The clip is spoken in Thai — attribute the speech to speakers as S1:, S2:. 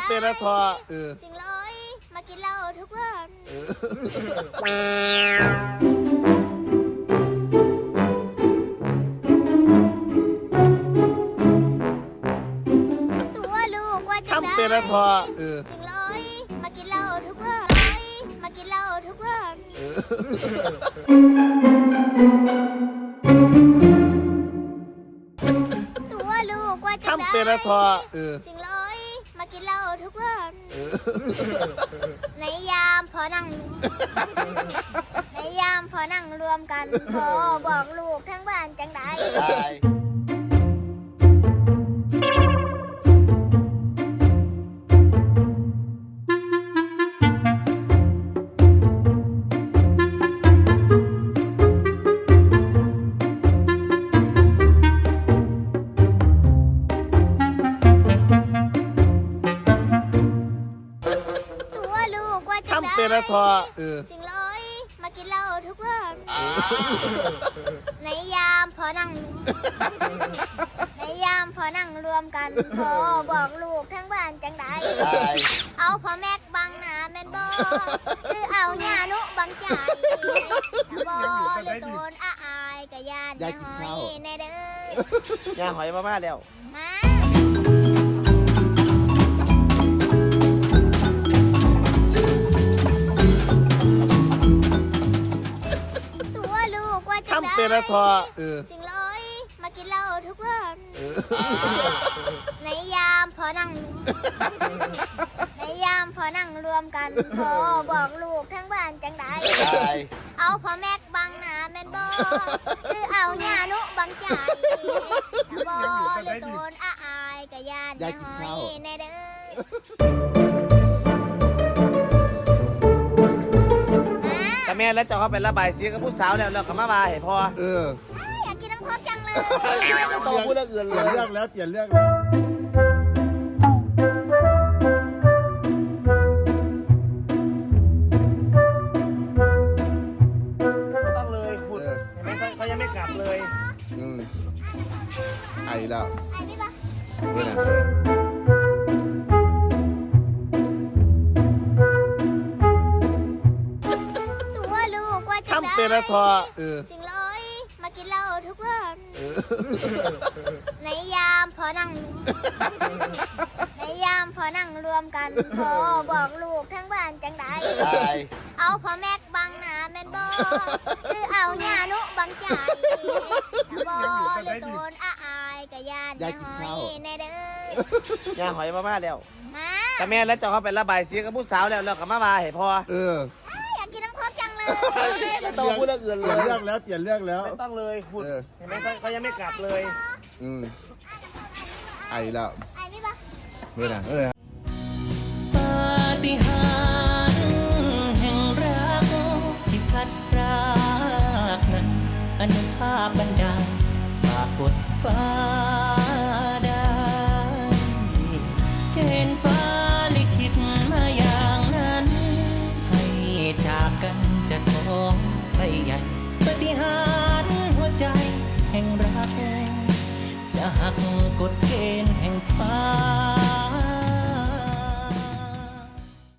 S1: ำเป็นละทอ
S2: สิ่งร้อยมากินเหล้าทุกวันตัวลูกว่าจะได้
S1: ทำเป็นละทอ
S2: สิ่งร้อยมากินเหล้าทุกวันมากินเหล้าทุกวันตัวลูกว่าจะได้
S1: ทำเป็นละทอ
S2: สิ่งร้อยมากินเหล้าทุกวันในยามพอนั่งในยามพอนั่งรวมกันพอบอกลูกทั้งบ้านจังได้
S1: ทำเป็นละทอ
S2: สิ่งร้อยมากินเหล้าทุกวันในยามพอนั่งในยามพอนั่งรวมกันพอบอกลูกทั้งบ้านจังได้เอาพ่อแม็กบังหน้าแม่นบ่หรือเอาหน้านุบังใจบ่หรือโตนอายกะยานอย่าหอยในเด้
S1: อย่าหอยมาแล้ว
S2: มา
S1: ทำเป็นละทอ
S2: สิ่งร้อยมากินเหล้าทุกวันในยามพอนั่งในยามพอนั่งรวมกันพอบอกลูกทั้งบ้านจังได้เอาพ่อแม็กบังหน้าแม่นบ่หรือเอาหน้านุบังใจบ่หรือโตนอายกะยานอย่าหอยในเด้
S1: แต่แม่แล้วจะเข้าไประบายเสียกับผู้สาวแล้วเราก็มาบายให้พอ
S2: อยากกินน้ำพกจังเลย
S1: ต้องพูดเรื่องอื่นเลย
S3: เปลี่ยนเรื่องแล้วเปลี่ยนเรื่องแล้ว
S1: ต้องเลยขุดเห็นไหมเขายังไม่กลับเลย
S3: ไอแล้ว
S2: ไอพี่ปะ
S3: เว้ยนะ
S1: ทำเป็นละทอ
S2: สิ่งร้อยมากินเหล้าทุกวันในยามพอนั่งในยามพอนั่งรวมกันพอบอกลูกทั้งบ้านจังได้เอาพ่อแม็กบังหน้าแม่นบ่หรือเอาหน้านุบังใจบ่หรือโตนอายกะยานอย่าหอยในเด้
S1: อย่าหอยมาแล้ว
S2: มา
S1: แต่แม่แล้วจะเข้าไประบายเสียกับผู้สาวแล้วเราก็มาบายให้พอ
S2: อยากกินน้ำพกจังเลย
S1: ต้องพูดเรื่องอื่นเลย
S3: เปลี่ยนเรื่องแล้วเปลี่ยนเรื่องแล้ว
S1: ไม่ต้องเลยขุดเห็นไหมเขายังไม่กลับเลย
S3: ไอแล้ว
S2: ไอพี่ปะ
S3: เว้ยนะ
S4: ปาฏิหาริย์แห่งรักที่พัดพรากนั้นอนุภาพบันดาลฝากกดฟ้าได้เกณฑ์ฟ้าลิขิตมาอย่างนั้นให้จากกันจะท้องไปใหญ่ปาฏิหาริย์หัวใจแห่งรักจะหัก